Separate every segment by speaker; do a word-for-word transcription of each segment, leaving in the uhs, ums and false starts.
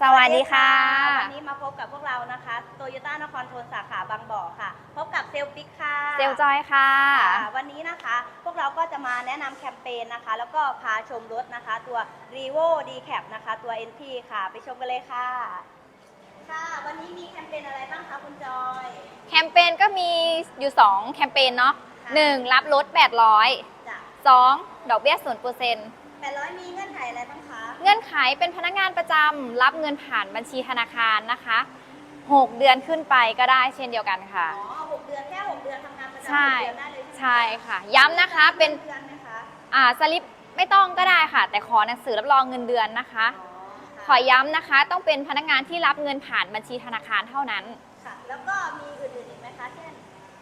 Speaker 1: สวัสดีค่ะ
Speaker 2: วันนี้มาพบกับพวกเรานะคะโตโยต้านครทนสาขาบางบ่อค่ะพบกับเซลปิกค่ะ
Speaker 1: เซลจอยค่ะ
Speaker 2: วันนี้นะคะพวกเราก็จะมาแนะนำแคมเปญนะคะแล้วก็พาชมรถนะคะตัว Revo D-Cab นะคะตัว เอ็น ที ค่ะไปชมกันเลยค่ะค่ะวันนี้มีแคมเปญอะไรบ้างคะคุณจอย
Speaker 1: แคมเปญก็มีอยู่สองแคมเปญเนาะหนึ่งรับรถแปดร้อยสองดอกเบี้ยศูนย์เปอร์เซ็นต์
Speaker 2: แปดร้อยมีเงื่อนไขอะไรบ้างคะ
Speaker 1: เงื่อนไขเป็นพนักงานประจำรับเงินผ่านบัญชีธนาคารนะคะหกเดือนขึ้นไปก็ได้เช่นเดียวกันค่ะ
Speaker 2: อ๋อหกเดือนแค่หกเดือนทำงานประจำหกเดือนได้เลย
Speaker 1: ใช่ค่ะย้ำนะคะเป็น
Speaker 2: เดือนไหมคะ
Speaker 1: อ่าสลิปไม่ต้องก็ได้ค่ะแต่ขอหนังสือรับรองเงินเดือนนะคะขอย้ำนะคะต้องเป็นพนักงานที่รับเงินผ่านบัญชีธนาคารเท่านั้น
Speaker 2: ค่ะแล้วก็มีอื่นๆอีกไหมคะเช่น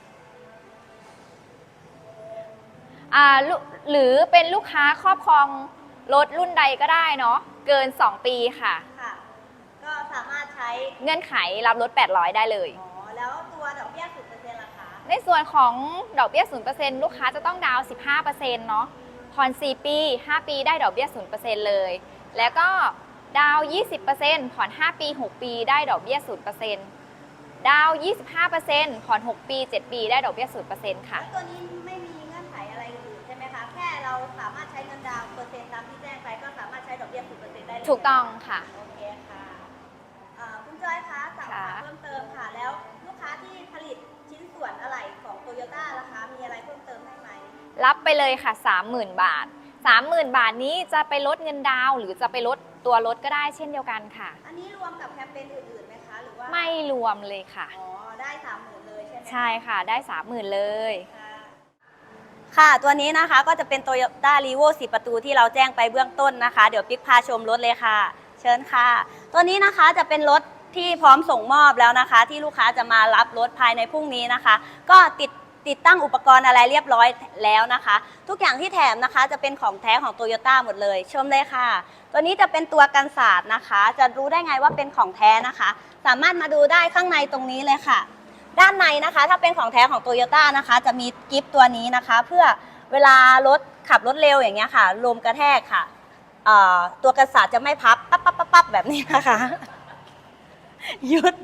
Speaker 1: อ่าหรือเป็นลูกค้าครอบครองรถรุ่นใดก็ได้เนาะเกินสองปีค่ะ
Speaker 2: ค่ะก็สามารถใช้
Speaker 1: เงื่อนไขรับรถแปดร้อยได้เลย
Speaker 2: อ๋อแล้วตัวดอกเบี้ย ศูนย์เปอร์เซ็นต์ ล่ะคะ
Speaker 1: ในส่วนของดอกเบี้ย ศูนย์เปอร์เซ็นต์ ลูกค้าจะต้องดาวน์ สิบห้าเปอร์เซ็นต์ เนาะผ่อนสี่ปีห้าปีได้ดอกเบี้ย ศูนย์เปอร์เซ็นต์ เลยแล้วก็ดาวน์ ยี่สิบเปอร์เซ็นต์ ผ่อนห้าปีหกปีได้ดอกเบี้ย ศูนย์เปอร์เซ็นต์ ดาวน์ ยี่สิบห้าเปอร์เซ็นต์ ผ่อนหกปีเจ็ดปีได้ดอกเบี้ย ศูนย์เปอร์เซ็นต์ ค่ะ
Speaker 2: ตัวนี้ไม่มีเงื่อนไขอะไรอื่นใช่ไหมคะแค่เราสามารถใช้เงินดาวน์เปอร์เซ็นต์ตามที่แจ้งไปก็สามารถใช้ดอกเบี้ย ศูนย์เปอร์เซ็นต์ ได้เลย
Speaker 1: ถูกต้องค่ะ
Speaker 2: โอเคค่ะคุณจอยคะสอบถามเพิ่มเติมค่ะแล้วลูกค้าที่ผลิตชิ้นส่วนอะไหล่ของโตโยต้าล่ะคะมีอะไรเพิ่มเติมได้ไหม
Speaker 1: รับไปเลยค่ะ สามหมื่น บาท สามหมื่น บาทนี้จะไปลดเงินดาวหรือจะไปลดตัวรถก็ได้เช่นเดียวกันค่ะ
Speaker 2: อันนี้รวมกับแคมเปญอื่นๆไหมคะหรือว่า
Speaker 1: ไม่รวมเลยค่ะ
Speaker 2: อ๋อได้ สามหมื่น เลยใช่ไหม
Speaker 1: ใช่ค่ะได้ สามหมื่น เลย
Speaker 2: ค่ะตัวนี้นะคะก็จะเป็น Toyota Revo สี่ประตูที่เราแจ้งไปเบื้องต้นนะคะเดี๋ยวปิ๊กพาชมรถเลยค่ะเชิญค่ะตัวนี้นะคะจะเป็นรถที่พร้อมส่งมอบแล้วนะคะที่ลูกค้าจะมารับรถภายในพรุ่งนี้นะคะก็ติดติดตั้งอุปกรณ์อะไรเรียบร้อยแล้วนะคะทุกอย่างที่แถมนะคะจะเป็นของแท้ของ Toyota หมดเลยชมเลยค่ะตัวนี้จะเป็นตัวกันศาสตร์นะคะจะรู้ได้ไงว่าเป็นของแท้นะคะสามารถมาดูได้ข้างในตรงนี้เลยค่ะด้านในนะคะถ้าเป็นของแท้ของ Toyota นะคะจะมีกิฟต์ตัวนี้นะคะเพื่อเวลารถขับรถเร็วอย่างเงี้ยค่ะลมกระแทกค่ะตัวกันศาสตร์จะไม่พับปั๊บปั๊บปั๊บปั๊บแบบนี้นะคะหยุด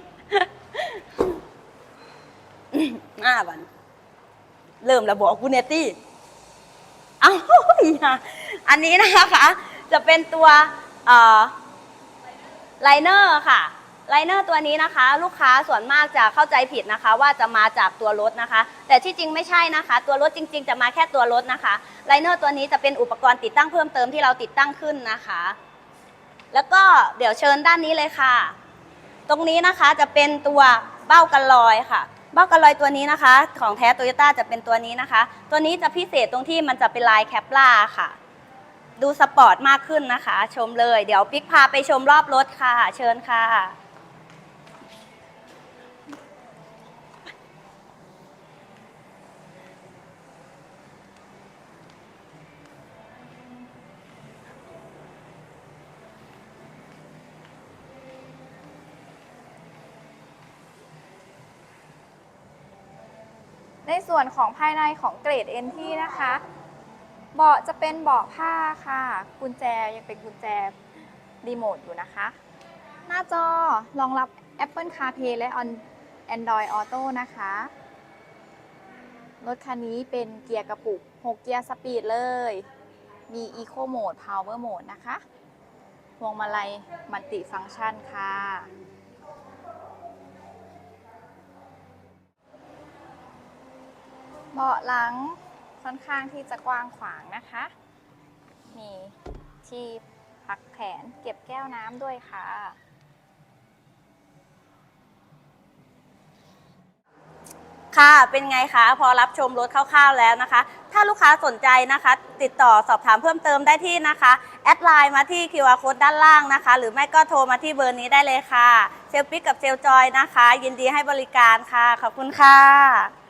Speaker 2: ห้าวันเริ่มระบอกกูเนตี้เอาอันนี้นะคะจะเป็นตัวไลเนอร์ค่ะไลเนอร์ตัวนี้นะคะลูกค้าส่วนมากจะเข้าใจผิดนะคะว่าจะมาจากตัวรถนะคะแต่ที่จริงไม่ใช่นะคะตัวรถจริงๆจะมาแค่ตัวรถนะคะไลเนอร์ตัวนี้จะเป็นอุปกรณ์ติดตั้งเพิ่มเติมที่เราติดตั้งขึ้นนะคะแล้วก็เดี๋ยวเชิญด้านนี้เลยค่ะตรงนี้นะคะจะเป็นตัวเบ้ากันรอยค่ะเบ้ากันรอยตัวนี้นะคะของแท้โตโยต้าจะเป็นตัวนี้นะคะตัวนี้จะพิเศษตรงที่มันจะเป็นลายแคปล่าค่ะดูสปอร์ตมากขึ้นนะคะชมเลยเดี๋ยวปิ๊กพาไปชมรอบรถค่ะเชิญค่ะ
Speaker 1: ในส่วนของภายในของเกรด เอ็น ที นะคะเบาะจะเป็นเบาะผ้าค่ะกุญแจยังเป็นกุญแจรีโมทอยู่นะคะหน้าจอรองรับ Apple CarPlay และ Android Auto นะคะรถคันนี้เป็นเกียร์กระปุกหกเกียร์สปีดเลยมี Eco Mode Power Mode นะคะพวงมาลัยมัลติฟังก์ชันค่ะเบาะหลังค่อนข้างที่จะกว้างขวางนะคะมีที่พักแขนเก็บแก้วน้ำด้วยค่ะ
Speaker 2: ค่ะเป็นไงคะพอรับชมรถคร่าวๆแล้วนะคะถ้าลูกค้าสนใจนะคะติดต่อสอบถามเพิ่มเติมได้ที่นะคะแอดไลน์มาที่ คิว อาร์ Code ด้านล่างนะคะหรือไม่ก็โทรมาที่เบอร์นี้ได้เลยค่ะเซลปิกกับเซลจอยนะคะยินดีให้บริการค่ะขอบคุณค่ะ